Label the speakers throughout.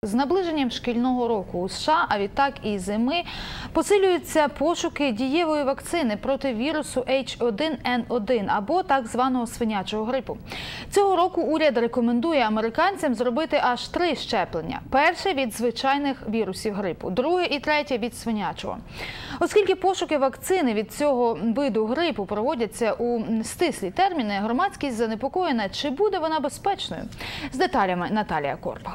Speaker 1: З наближенням шкільного року у США, а відтак і зими, посилюються пошуки дієвої вакцини проти вірусу H1N1 або так званого свинячого грипу. Цього року уряд рекомендує американцям зробити аж 3 щеплення. Перше – від звичайних вірусів грипу, друге і третє – від свинячого. Оскільки пошуки вакцини від цього виду грипу проводяться у стислі терміни, громадськість занепокоєна, чи буде вона безпечною. З деталями Наталія Корпал.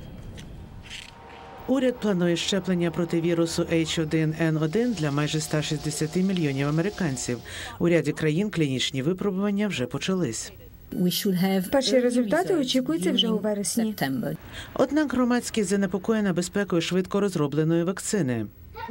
Speaker 2: Уряд планує щеплення проти вірусу H1N1 для майже 160 мільйонів американців. У ряді країн клінічні випробування вже почались.
Speaker 3: Перші результати очікуються вже у вересні.
Speaker 2: Однак громадськість занепокоєна безпекою швидко розробленої вакцини.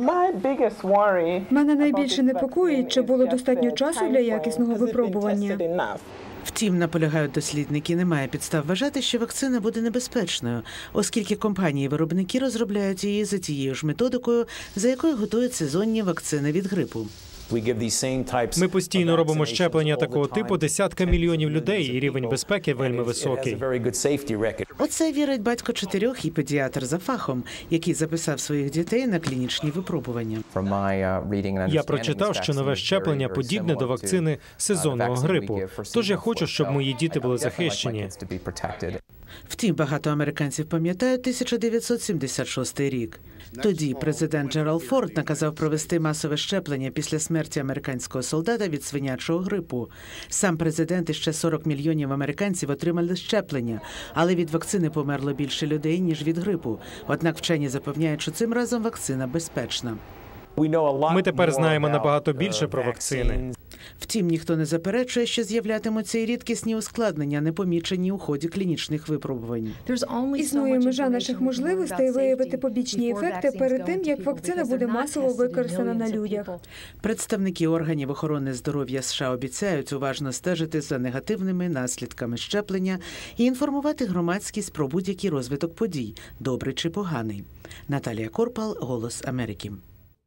Speaker 3: Мене найбільше непокоїть, чи було достатньо часу для якісного випробування.
Speaker 2: Втім, наполягають дослідники, немає підстав вважати, що вакцина буде небезпечною, оскільки компанії-виробники розробляють її за тією ж методикою, за якою готують сезонні вакцини від грипу.
Speaker 4: Ми постійно робимо щеплення такого типу десяткам мільйонів людей, і рівень безпеки вельми високий.
Speaker 2: Оце вірить батько 4 і педіатр за фахом, який записав своїх дітей на клінічні випробування.
Speaker 4: Я прочитав, що нове щеплення подібне до вакцини сезонного грипу. Тож я хочу, щоб мої діти були захищені.
Speaker 2: Втім, багато американців пам'ятають 1976 рік. Тоді президент Джеральд Форд наказав провести масове щеплення після смерті американського солдата від свинячого грипу. Сам президент і ще 40 мільйонів американців отримали щеплення, але від вакцини померло більше людей, ніж від грипу. Однак вчені запевняють, що цим разом вакцина безпечна.
Speaker 4: Ми тепер знаємо набагато більше про вакцини.
Speaker 2: Втім, ніхто не заперечує, що з'являтимуться і рідкісні ускладнення, не помічені у ході клінічних випробувань.
Speaker 3: Існує межа наших можливостей виявити побічні ефекти перед тим, як вакцина буде масово використана на людях.
Speaker 2: Представники органів охорони здоров'я США обіцяють уважно стежити за негативними наслідками щеплення і інформувати громадськість про будь-який розвиток подій, добрий чи поганий. Наталія Корпал, «Голос Америки».